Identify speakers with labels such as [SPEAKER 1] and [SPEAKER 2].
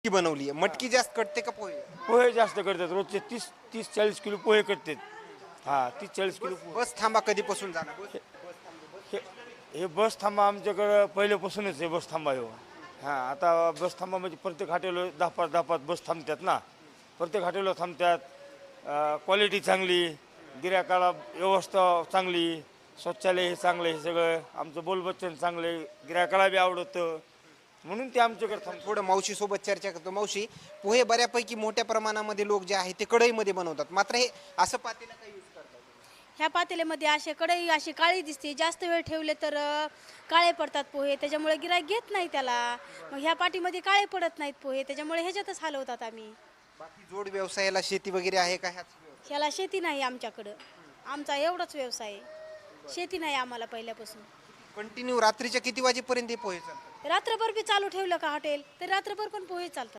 [SPEAKER 1] की बनवली आहे. मटकी जास्त कटते का पोहे?
[SPEAKER 2] पोहे जास्त करतात रोजचे 30-40 किलो पोहे करतात. हा 30-40 किलो पोहे.
[SPEAKER 1] बस थांबा कधीपासून झाला?
[SPEAKER 2] हे हे बस थांबा आमच्याकडं पहिल्यापासूनच आहे बस थांबा हो. हां आता बस थांबा म्हणजे प्रत्येक हॉटेलवर 10-5 बस थांबतात ना. प्रत्येक हॉटेलवर थांबतात. क्वालिटी चांगली, गिऱ्हाईकाला व्यवस्था चांगली, शौचालय हे चांगलं, हे सगळं आमचं बोलबच्चन चांगले, गिऱ्हाईकाला बी आवडतं म्हणून ते आमच्याकडे थांबतात.
[SPEAKER 1] थोडं मावशी सोबत चर्चा करतो. मावशी, पोहे बऱ्यापैकी मोठ्या प्रमाणामध्ये लोक जे आहेत ते कढईमध्ये बनवतात, मात्र हे असं पातेलं काय यूज करतात?
[SPEAKER 3] ह्या पातेल्यामध्ये असे कढई अशी काळी दिसते, जास्त वेळ ठेवले तर काळे पडतात पोहे, त्याच्यामुळे गिऱ्हाईक घेत नाही त्याला. मग ह्या पाटीमध्ये काळे पडत नाहीत पोहे, त्याच्यामुळे ह्याच्यातच हलवतात आम्ही.
[SPEAKER 1] बाकी जोड व्यवसायाला शेती वगैरे आहे का ह्याच व्यवसाय?
[SPEAKER 3] ह्याला शेती नाही आमच्याकडं, आमचा एवढाच व्यवसाय आहे. शेती नाही आम्हाला पहिल्यापासून.
[SPEAKER 1] कंटिन्यू रात्रीच्या किती वाजेपर्यंत हे पोहे चालतात?
[SPEAKER 3] रात्रभर बी चालू ठेवलं का हॉटेल तर रात्रभर पण पोहे चालतात.